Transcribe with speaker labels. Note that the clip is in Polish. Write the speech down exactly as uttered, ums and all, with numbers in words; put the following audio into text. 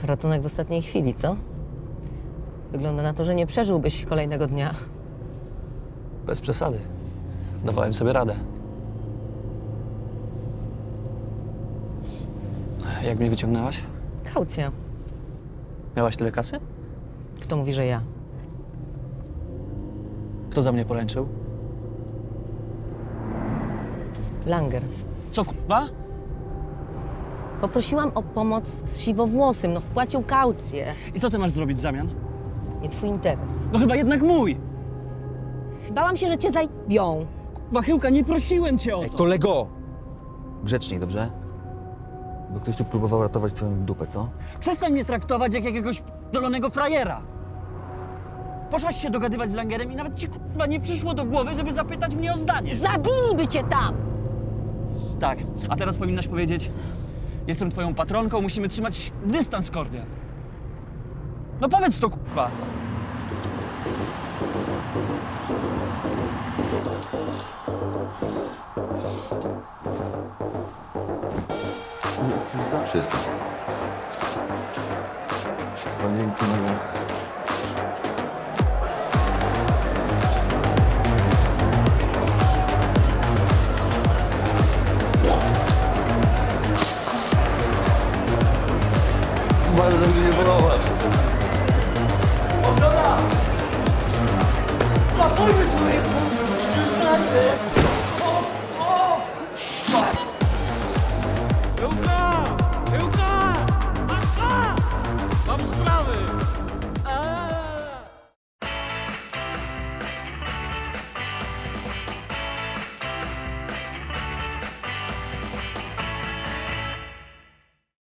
Speaker 1: Ratunek w ostatniej chwili, co? Wygląda na to, że nie przeżyłbyś kolejnego dnia.
Speaker 2: Bez przesady. Dawałem sobie radę. Jak mnie wyciągnęłaś?
Speaker 1: Kaucja.
Speaker 2: Miałaś tyle kasy?
Speaker 1: Kto mówi, że ja?
Speaker 2: Kto za mnie poręczył?
Speaker 1: Langer.
Speaker 2: Co, k***a?
Speaker 1: Poprosiłam o pomoc z siwowłosym, no wpłacił kaucję.
Speaker 2: I co ty masz zrobić w zamian?
Speaker 1: Nie twój interes.
Speaker 2: No chyba jednak mój!
Speaker 1: Bałam się, że cię zajebią.
Speaker 2: Wachyłka, nie prosiłem cię o
Speaker 3: Ej,
Speaker 2: to!
Speaker 3: kolego! Grzeczniej, dobrze? Bo ktoś tu próbował ratować twoją dupę, co?
Speaker 2: Przestań mnie traktować jak jakiegoś dolonego frajera! Poszłaś się dogadywać z Langerem i nawet ci k***a nie przyszło do głowy, żeby zapytać mnie o zdanie.
Speaker 1: Zabiliby cię tam!
Speaker 2: Tak, a teraz powinnaś powiedzieć: jestem twoją patronką, musimy trzymać dystans kordial. No powiedz to, k***a!
Speaker 3: Czysta? Czysta. Dzięki na was. Bardzo mi się podobasz.
Speaker 2: Napójmy człowieku! Przestańmy! O, o, k***a! Ełka! Ełka!